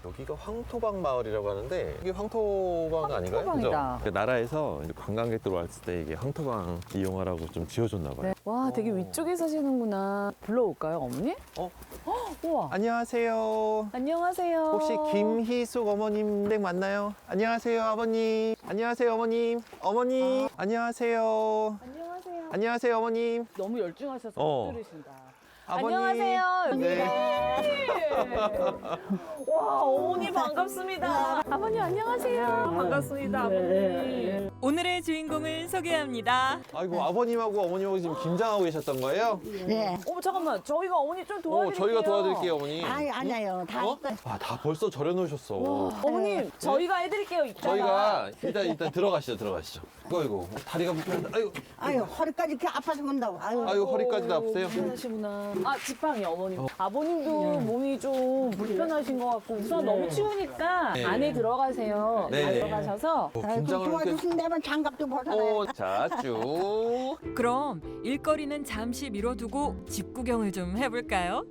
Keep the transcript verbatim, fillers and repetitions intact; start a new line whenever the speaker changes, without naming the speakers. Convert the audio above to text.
여기가 황토방 마을이라고 하는데 이게 황토방 아닌가요?
황토방이다.
그죠? 그 나라에서 이제 관광객들 왔을 때 이게 황토방 이용하라고 좀 지어줬나 봐요.
네. 와, 되게 위쪽에 사시는구나. 불러올까요, 어머니?
어?
헉, 우와.
안녕하세요.
안녕하세요.
혹시 김희숙 어머님 댁 맞나요? 안녕하세요, 아버님. 안녕하세요, 어머님. 어머님. 안녕하세요.
안녕하세요.
안녕하세요, 어머님.
너무 열중하셔서
어.
못 들으신다.
아버님.
안녕하세요.
네.
와, 어머니 반갑습니다. 아버님 안녕하세요. 반갑습니다, 아버님.
오늘의 주인공을 소개합니다.
아이고, 아버님하고 어머님하고 지금 김장하고 계셨던 거예요?
네.
어머, 잠깐만. 저희가 어머니 좀
어,
도와드릴게요.
저희가 도와드릴게요, 어머니.
아니, 아니에요. 다
어? 아, 다 벌써 절여놓으셨어.
어머님, 저희가 해드릴게요. 이따가.
저희가 일단 일단 들어가시죠, 들어가시죠. 이거 이거 다리가 불편한데, 아이고,
아유, 허리까지 이렇게 아파서 건다고. 아유.
아이고 허리까지 아프세요?
불편하시구나. 아, 지팡이 어머님. 아버님도 몸이 좀 불편하신 것 같고 우선 너무 추우니까
네.
안에 들어가세요.
네.
안에 들어가셔서
어,
아유,
긴장을 이렇게.
도와주신다면 장갑도 벗어라.
어, 자, 쭉.
그럼 일거리는 잠시 미뤄두고 집 구경을 좀 해볼까요?